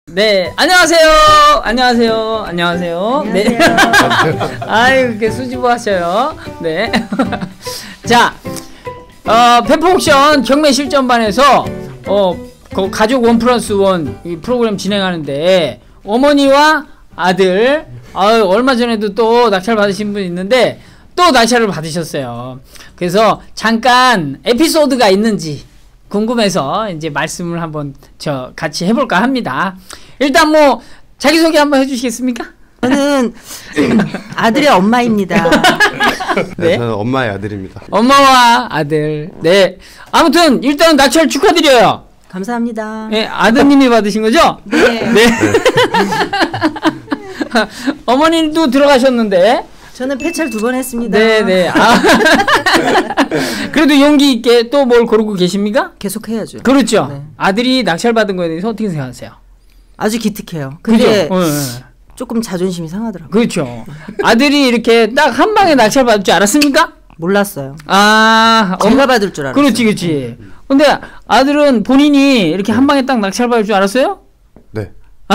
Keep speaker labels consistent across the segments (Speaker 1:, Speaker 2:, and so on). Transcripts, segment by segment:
Speaker 1: 네, 안녕하세요. 안녕하세요. 안녕하세요. 네. 아유, 이렇게 수줍어 하셔요. 네. 자, 페퍼옥션 경매 실전반에서, 그 가족 1+1 이 프로그램 진행하는데, 어머니와 아들, 얼마 전에도 또 낙찰 받으신 분 있는데, 또 낙찰을 받으셨어요. 그래서 잠깐 에피소드가 있는지, 궁금해서 이제 말씀을 한번 같이 해볼까 합니다. 일단 뭐 자기소개 한번 해주시겠습니까?
Speaker 2: 저는 아들의 엄마입니다.
Speaker 3: 네, 저는 엄마의 아들입니다.
Speaker 1: 엄마와 아들. 네. 아무튼 일단 낙찰 축하드려요.
Speaker 2: 감사합니다.
Speaker 1: 네, 아드님이 받으신 거죠?
Speaker 2: 네.
Speaker 1: 네. 어머님도 들어가셨는데.
Speaker 2: 저는 폐찰 2번 했습니다.
Speaker 1: 네네. 그래도 용기 있게 또 뭘 고르고 계십니까?
Speaker 2: 계속 해야죠.
Speaker 1: 그렇죠.
Speaker 2: 네.
Speaker 1: 아들이 낙찰 받은 거에 대해서 어떻게 생각하세요?
Speaker 2: 아주 기특해요. 근데
Speaker 1: 그죠?
Speaker 2: 조금 자존심이 상하더라고요.
Speaker 1: 그렇죠. 아들이 이렇게 딱 한 방에 낙찰 받을 줄 알았습니까?
Speaker 2: 몰랐어요.
Speaker 1: 제가
Speaker 2: 받을 줄 알았어요.
Speaker 1: 그렇지, 그렇지. 근데 아들은 본인이 이렇게 한 방에 딱 낙찰 받을 줄 알았어요?
Speaker 3: 네.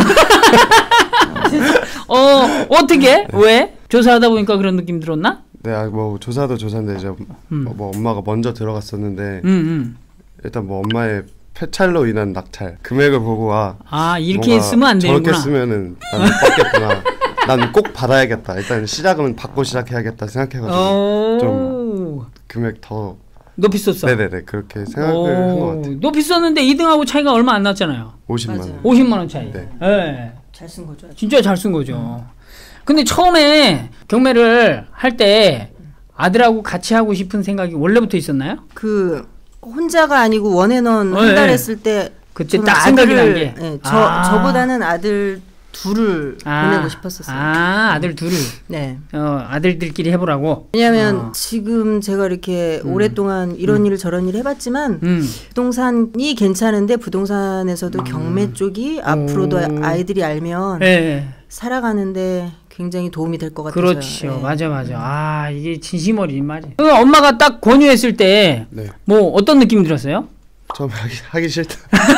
Speaker 1: 어떻게? 네. 왜? 조사하다 보니까 그런 느낌 들었나?
Speaker 3: 네, 뭐 조사도 조사인데 이제 뭐 엄마가 먼저 들어갔었는데 일단 뭐 엄마의 폐찰로 인한 낙찰 금액을 보고
Speaker 1: 이렇게 쓰면 안 되는구나.
Speaker 3: 저렇게 쓰면은 난 못 받겠구나. 난 꼭 받아야겠다. 일단 시작은 받고 시작해야겠다 생각해가지고 좀 금액 더
Speaker 1: 높이 썼어.
Speaker 3: 네네네, 그렇게 생각을 한 것 같아요.
Speaker 1: 높이 썼는데 2등하고 차이가 얼마 안 났잖아요.
Speaker 3: 50만
Speaker 2: 맞아요.
Speaker 3: 원.
Speaker 1: 50만 원 차이.
Speaker 3: 네.
Speaker 1: 네.
Speaker 2: 잘 쓴 거죠.
Speaker 1: 진짜 잘 쓴 거죠. 근데 처음에 경매를 할 때 아들하고 같이 하고 싶은 생각이 원래부터 있었나요?
Speaker 2: 혼자가 아니고 원앤원 한 달 했을 때
Speaker 1: 그때 딱 생각이 난 게.
Speaker 2: 네, 저보다는 아들 둘을 보내고 싶었었어요.
Speaker 1: 아들 둘을.
Speaker 2: 네.
Speaker 1: 아들들끼리 해보라고.
Speaker 2: 왜냐하면 지금 제가 이렇게 오랫동안 이런 일 저런 일 해봤지만 부동산이 괜찮은데 부동산에서도 경매 쪽이 앞으로도 아이들이 알면 살아가는데 굉장히 도움이 될 것 같아요.
Speaker 1: 그렇죠. 네. 맞아. 이게 진심 어린 말이에요. 엄마가 딱 권유했을 때 뭐 어떤 느낌 들었어요?
Speaker 3: 처음 하기 싫다.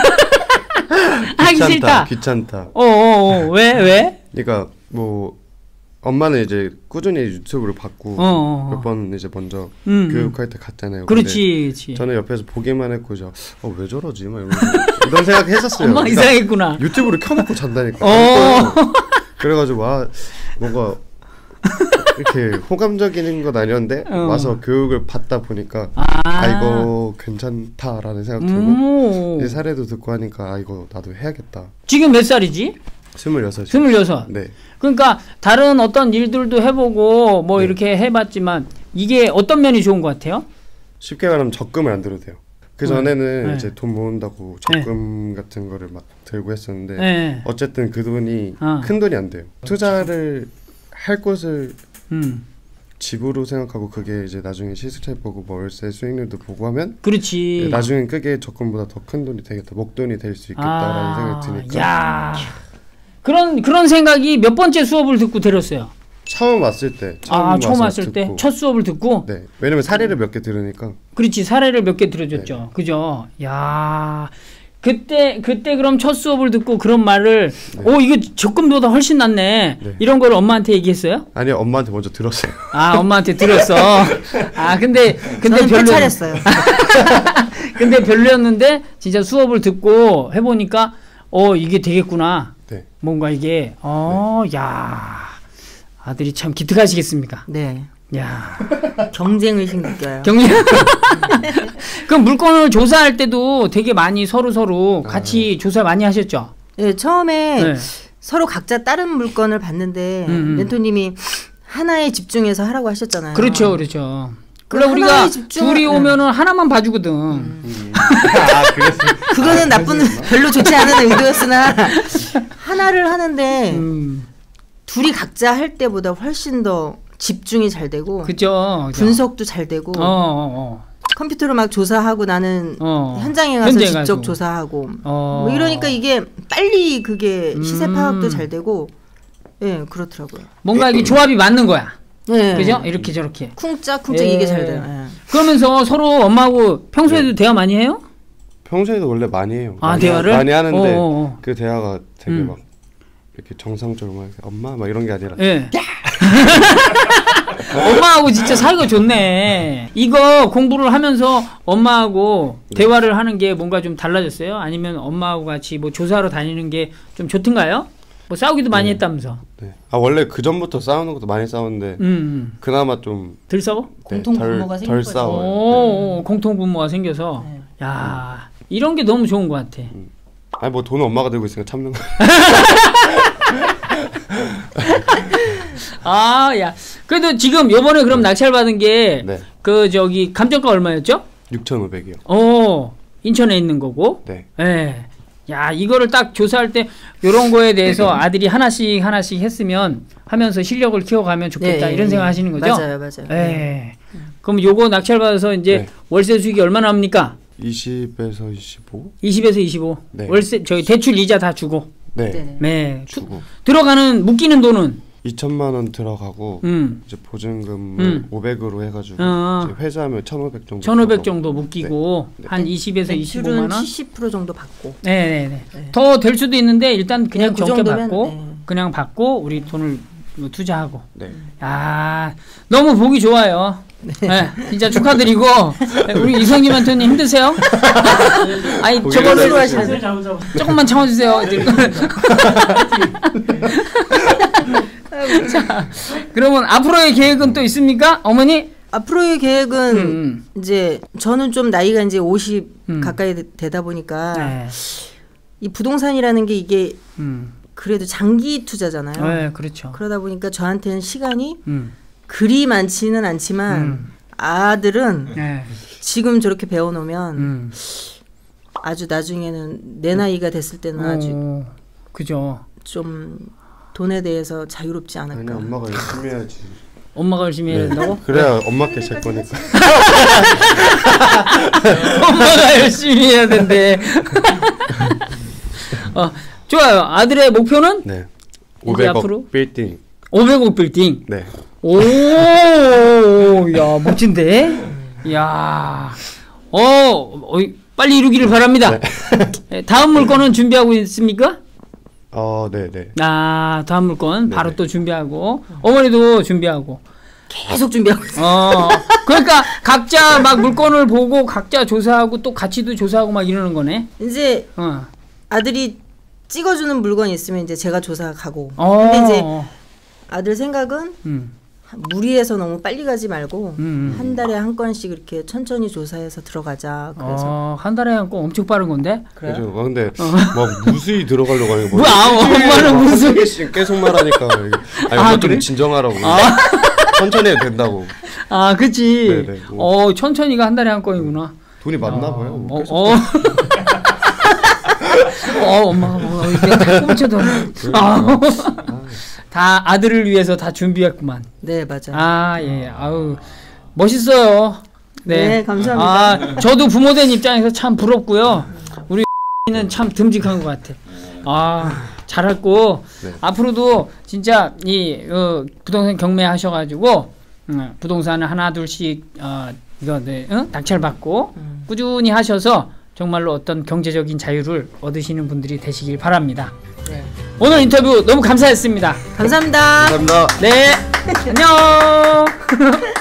Speaker 1: 하기 싫다.
Speaker 3: 귀찮다.
Speaker 1: 왜?
Speaker 3: 그러니까 뭐 엄마는 이제 꾸준히 유튜브를 봤고 몇 번 이제 먼저 교육할 때 갔잖아요.
Speaker 1: 그렇지.
Speaker 3: 저는 옆에서 보기만 했고 왜 저러지? 막 이런 생각 했었어요.
Speaker 1: 엄마 그러니까 이상했구나.
Speaker 3: 유튜브를 켜놓고 잔다니까. 그래가지고 뭔가 이렇게 호감적인 건 아니었는데 와서 교육을 받다 보니까 이거 괜찮다라는 생각 들고 이 사례도 듣고 하니까 이거 나도 해야겠다.
Speaker 1: 지금 몇 살이지?
Speaker 3: 26.
Speaker 1: 26.
Speaker 3: 네.
Speaker 1: 그러니까 다른 어떤 일들도 해보고 뭐 이렇게 해봤지만 이게 어떤 면이 좋은 것 같아요?
Speaker 3: 쉽게 말하면 적금을 안 들어도 돼요. 그 전에는 이제 돈 모은다고 적금 같은 거를 막 들고 했었는데 어쨌든 그 돈이 큰 돈이 안 돼요. 투자를 할 곳을 집으로 생각하고 그게 이제 나중에 시세차 보고 뭐 월세 수익률도 보고 하면
Speaker 1: 그렇지.
Speaker 3: 나중엔 그게 적금보다 더 큰 돈이 되겠다. 목돈이 될 수 있겠다라는 생각이 드니까.
Speaker 1: 야. 그런 생각이 몇 번째 수업을 듣고 들었어요?
Speaker 3: 처음 왔을 때.
Speaker 1: 처음 왔을 때? 첫 수업을 듣고?
Speaker 3: 네. 왜냐면 사례를 몇 개 들으니까.
Speaker 1: 그렇지. 사례를 몇 개 들어줬죠. 네. 그죠? 야. 그때 그럼 첫 수업을 듣고 그런 말을 이거 적금보다 훨씬 낫네. 이런 걸 엄마한테 얘기했어요?
Speaker 3: 아니요, 엄마한테 먼저 들었어요.
Speaker 1: 엄마한테 들었어. 근데
Speaker 2: 저는 폐찰했어요.
Speaker 1: 근데 별로였는데 진짜 수업을 듣고 해보니까 이게 되겠구나.
Speaker 3: 네.
Speaker 1: 뭔가 이게 야 아들이 참 기특하시겠습니까?
Speaker 2: 네.
Speaker 1: 야
Speaker 2: 경쟁의식 느껴요.
Speaker 1: 그럼 물건을 조사할 때도 되게 많이 서로 같이 조사 많이 하셨죠?
Speaker 2: 네, 처음에 서로 각자 다른 물건을 봤는데 멘토님이 하나에 집중해서 하라고 하셨잖아요.
Speaker 1: 그렇죠. 그래 우리가 둘이 오면은 하나만 봐주거든.
Speaker 3: 그랬어.
Speaker 2: 그거는 별로 좋지 않은 의도였으나 하나를 하는데 둘이 각자 할 때보다 훨씬 더 집중이 잘 되고
Speaker 1: 그죠.
Speaker 2: 분석도 잘 되고 컴퓨터로 막 조사하고 나는 현장에 가서 직접 조사하고 뭐 이러니까 이게 빨리 그게 시세 파악도 잘 되고 그렇더라고요.
Speaker 1: 뭔가 이게 조합이 맞는 거야.
Speaker 2: 네.
Speaker 1: 그죠? 이렇게 저렇게.
Speaker 2: 쿵짝쿵짝 이게 잘 돼요.
Speaker 1: 그러면서 서로 엄마하고 평소에도 대화 많이 해요?
Speaker 3: 평소에도 원래 많이 해요.
Speaker 1: 대화를
Speaker 3: 많이 하는데 그 대화가 되게 막 이렇게 정상적으로 막 엄마 막 이런 게 아니라
Speaker 1: 예. 엄마하고 진짜 사이가 좋네. 이거 공부를 하면서 엄마하고 대화를 하는 게 뭔가 좀 달라졌어요? 아니면 엄마하고 같이 뭐 조사하러 다니는 게 좀 좋던가요? 뭐 싸우기도 많이 했다면서.
Speaker 3: 네. 원래 그 전부터 싸우는 것도 많이 싸우는데 그나마 좀
Speaker 1: 덜 싸워?
Speaker 2: 공통 부모가 생긴
Speaker 3: 덜 싸워요.
Speaker 1: 오, 공통 부모가 생겨서. 야, 이런 게 너무 좋은 것 같아.
Speaker 3: 아니 뭐 돈은 엄마가 들고 있으니까 참는 거.
Speaker 1: 야. 그래도 지금 요번에 그럼 낙찰 받은 게 그 저기 감정가 얼마였죠?
Speaker 3: 6,500이요.
Speaker 1: 인천에 있는 거고.
Speaker 3: 네.
Speaker 1: 예. 야, 이거를 딱 조사할 때 요런 거에 대해서 아들이 하나씩 하면서 실력을 키워가면 좋겠다 이런 생각 하시는 거죠?
Speaker 2: 맞아요.
Speaker 1: 예. 그럼 요거 낙찰 받아서 이제 월세 수익이 얼마나 합니까?
Speaker 3: 20에서 25?
Speaker 1: 20에서 25.
Speaker 3: 네.
Speaker 1: 월세 저기 대출 이자 다 주고.
Speaker 2: 네.
Speaker 3: 주고.
Speaker 1: 들어가는 묶이는 돈은
Speaker 3: 2천만 원 들어가고 이제 보증금을 500으로 해가지고 이제 회수하면 1,500 정도.
Speaker 1: 1,500 정도 묶이고 한 20에서 25만 원.
Speaker 2: 70% 정도 받고.
Speaker 1: 네. 더 될 수도 있는데 일단 그냥 적게 받고 그냥 받고 우리 돈을 투자하고.
Speaker 3: 네.
Speaker 1: 야, 너무 보기 좋아요. 네, 진짜 축하드리고 우리 이성님한테는 힘드세요? 아니 저거를 조금만 참아주세요. 자, 그러면 앞으로의 계획은 또 있습니까, 어머니?
Speaker 2: 앞으로의 계획은 이제 저는 좀 나이가 이제 50 가까이 되다 보니까 이 부동산이라는 게 이게 그래도 장기 투자잖아요.
Speaker 1: 네, 그렇죠.
Speaker 2: 그러다 보니까 저한테는 시간이 그리 많지는 않지만 아들은 지금 저렇게 배워놓으면 아주 나중에는 내 나이가 됐을 때는 아주
Speaker 1: 그죠.
Speaker 2: 좀 돈에 대해서 자유롭지 않을까.
Speaker 3: 아니, 엄마가 열심히 해야지.
Speaker 1: 엄마가 열심히 해야 된다고?
Speaker 3: 그래야 엄마께 잘 거니까.
Speaker 1: 엄마가 열심히 해야 된대. 좋아요. 아들의 목표는?
Speaker 3: 네. 500억 빌딩.
Speaker 1: 500억 빌딩?
Speaker 3: 네.
Speaker 1: 오, 야, 멋진데? 야, 빨리 이루기를 바랍니다. 네. 다음 물건은 준비하고 있습니까?
Speaker 3: 네네.
Speaker 1: 다음 물건 바로 또 준비하고 어머니도 준비하고
Speaker 2: 계속 준비하고 있어요.
Speaker 1: 그러니까 각자 막 물건을 보고 각자 조사하고 또 가치도 조사하고 막 이러는 거네.
Speaker 2: 이제 아들이 찍어주는 물건이 있으면 이제 제가 조사 가고. 근데 이제 아들 생각은 무리해서 너무 빨리 가지 말고 한 달에 한 건씩 이렇게 천천히 조사해서 들어가자. 그래서
Speaker 1: 한 달에 한 건 엄청 빠른 건데.
Speaker 3: 그래요? 근데 막 무수히 들어가려고 하는 거.
Speaker 1: 엄마는 무수히
Speaker 3: 계속 말하니까. 아니 좀 진정하라고. 천천히 해도 된다고.
Speaker 1: 그치. 네네. 천천히가 한 달에 한 건이구나.
Speaker 3: 돈이 많나 봐요.
Speaker 1: 엄마가 뭐 내가 꼼쳐도 다 아들을 위해서 다 준비했구만.
Speaker 2: 네, 맞아요.
Speaker 1: 예. 아우, 멋있어요.
Speaker 2: 네, 감사합니다.
Speaker 1: 저도 부모된 입장에서 참 부럽고요. 우리 는 참 듬직한 것 같아. 잘했고 앞으로도 진짜 이 부동산 경매하셔가지고 부동산을 하나 둘씩 이거 낙찰 받고 꾸준히 하셔서 정말로 어떤 경제적인 자유를 얻으시는 분들이 되시길 바랍니다. 네. 오늘 인터뷰 너무 감사했습니다.
Speaker 2: 감사합니다.
Speaker 3: 감사합니다.
Speaker 1: 네. 안녕.